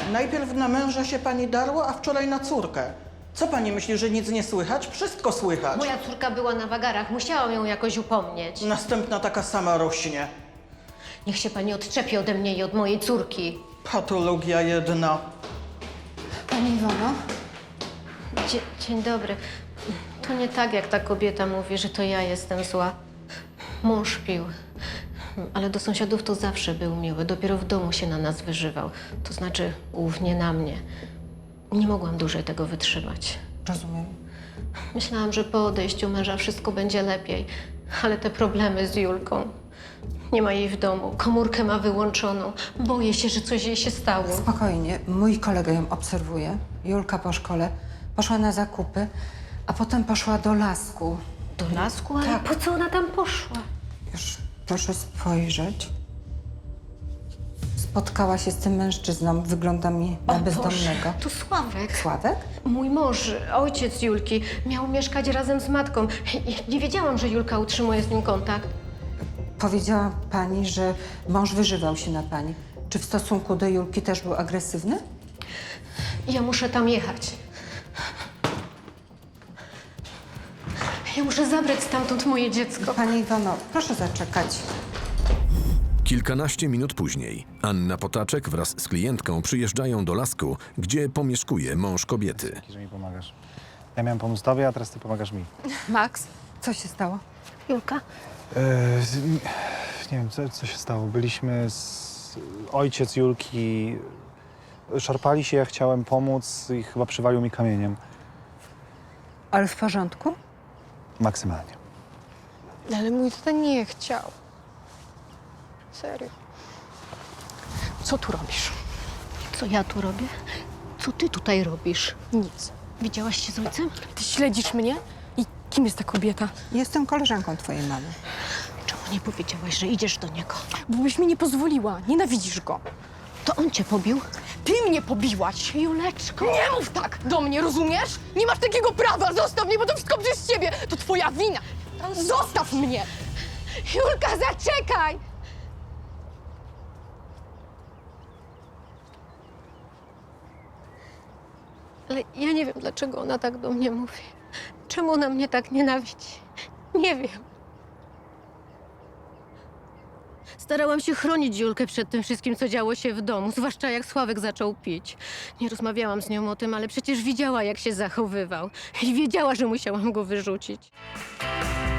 Najpierw na męża się pani darła, a wczoraj na córkę. Co pani myśli, że nic nie słychać? Wszystko słychać. Moja córka była na wagarach, musiałam ją jakoś upomnieć. Następna taka sama rośnie. Niech się pani odczepi ode mnie i od mojej córki. Patologia jedna. Pani Iwono? Dzień dobry. To nie tak, jak ta kobieta mówi, że to ja jestem zła. Mąż pił, ale do sąsiadów to zawsze był miły. Dopiero w domu się na nas wyżywał. To znaczy głównie na mnie. Nie mogłam dłużej tego wytrzymać. Rozumiem. Myślałam, że po odejściu męża wszystko będzie lepiej, ale te problemy z Julką. Nie ma jej w domu, komórkę ma wyłączoną. Boję się, że coś jej się stało. Spokojnie, mój kolega ją obserwuje. Julka po szkole poszła na zakupy, a potem poszła do lasku. Do lasku? Ale Tak. po co ona tam poszła? Już proszę spojrzeć. Spotkała się z tym mężczyzną, wygląda mi na bezdomnego. To Sławek. Sławek? Mój mąż, ojciec Julki, miał mieszkać razem z matką. I nie wiedziałam, że Julka utrzymuje z nim kontakt. Powiedziała pani, że mąż wyżywał się na pani. Czy w stosunku do Julki też był agresywny? Ja muszę tam jechać. Ja muszę zabrać stamtąd moje dziecko. Pani Iwono, proszę zaczekać. Kilkanaście minut później Anna Potaczek wraz z klientką przyjeżdżają do lasku, gdzie pomieszkuje mąż kobiety. Że mi pomagasz. Ja miałem pomóc tobie, a teraz ty pomagasz mi. Max, co się stało? Julka? Nie wiem, co się stało. Byliśmy ojciec Julki. Szarpali się, ja chciałem pomóc i chyba przywalił mi kamieniem. Ale w porządku? Maksymalnie. Ale mój tata nie chciał. Serio. Co tu robisz? Co ja tu robię? Co ty tutaj robisz? Nic. Widziałaś się z ojcem? Ty śledzisz mnie? I kim jest ta kobieta? Jestem koleżanką twojej mamy. Czemu nie powiedziałaś, że idziesz do niego? Bo byś mi nie pozwoliła. Nienawidzisz go. To on cię pobił? Ty mnie pobiłaś. Juleczko! Nie mów tak do mnie, rozumiesz? Nie masz takiego prawa. Zostaw mnie, bo to wszystko przez ciebie. To twoja wina. Zostaw mnie. Julka, zaczekaj! Ale ja nie wiem, dlaczego ona tak do mnie mówi. Czemu ona mnie tak nienawidzi? Nie wiem. Starałam się chronić Julkę przed tym wszystkim, co działo się w domu, zwłaszcza jak Sławek zaczął pić. Nie rozmawiałam z nią o tym, ale przecież widziała, jak się zachowywał. I wiedziała, że musiałam go wyrzucić.